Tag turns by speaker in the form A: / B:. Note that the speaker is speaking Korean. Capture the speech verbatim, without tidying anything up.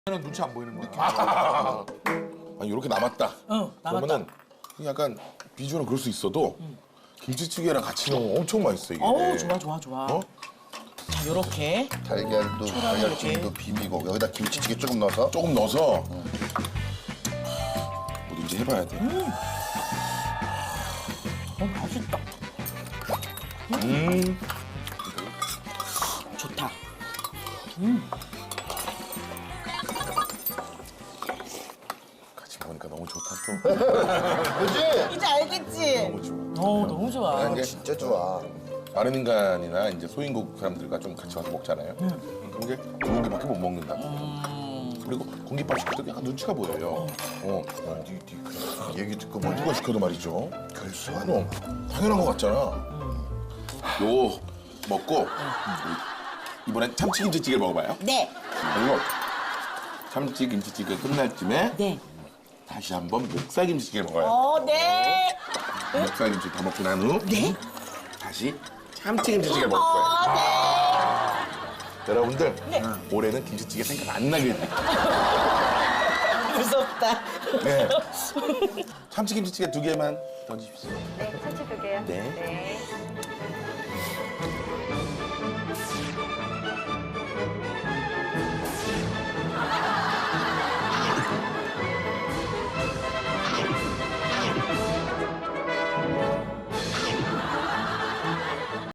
A: 는 눈치 안 보이는 거야. 아, 아니 이렇게 남았다.
B: 응, 남았다.
A: 그러면은 약간 비주얼은 그럴 수 있어도 응. 김치찌개랑 같이 넣으면 엄청 맛있어 이게.
B: 어우, 좋아, 좋아, 좋아.
A: 어?
B: 자, 요렇게.
C: 달걀도 달걀찜도 비비고 여기다 김치찌개 조금 넣어서
A: 조금 넣어서 뭐든지 해봐야 돼.
B: 음. 어, 맛있다.
A: 음.
B: 좋다.
A: 같이 먹으니까 너무 좋다 또.
C: 그지?
B: 이제 알겠지?
A: 너무 좋아.
B: 어, 너무 좋아.
A: 이게
C: 진짜 좋아.
A: 다른 인간이나 이제 소인국 사람들과 좀 같이 와서 먹잖아요. 그런 게 공깃밥밖에 못 먹는다. 그리고 공깃밥 시켜도 약간 눈치가 보여요. 어. 어.
C: 얘기 듣고 뭐
A: 누가 시켜도 말이죠.
C: 그럴 수가
A: 그럼 당연한 것 같잖아. 요거 먹고 이번엔 참치김치찌개 먹어봐요.
B: 네.
A: 그리고 참치김치찌개 끝날 쯤에
B: 네.
A: 다시 한번 목살김치찌개 먹어요.
B: 어, 네.
A: 목살김치 다 먹고 난 후
B: 네?
A: 다시 참치김치찌개 먹을 거예요.
B: 어, 네.
A: 여러분들 올해는 김치찌개 생각 안 나게 해드릴게요.
B: 무섭다.
A: 네. 참치김치찌개 두 개만 던지십시오.
D: 네, 참치 두 개요.
A: 네.
D: 네.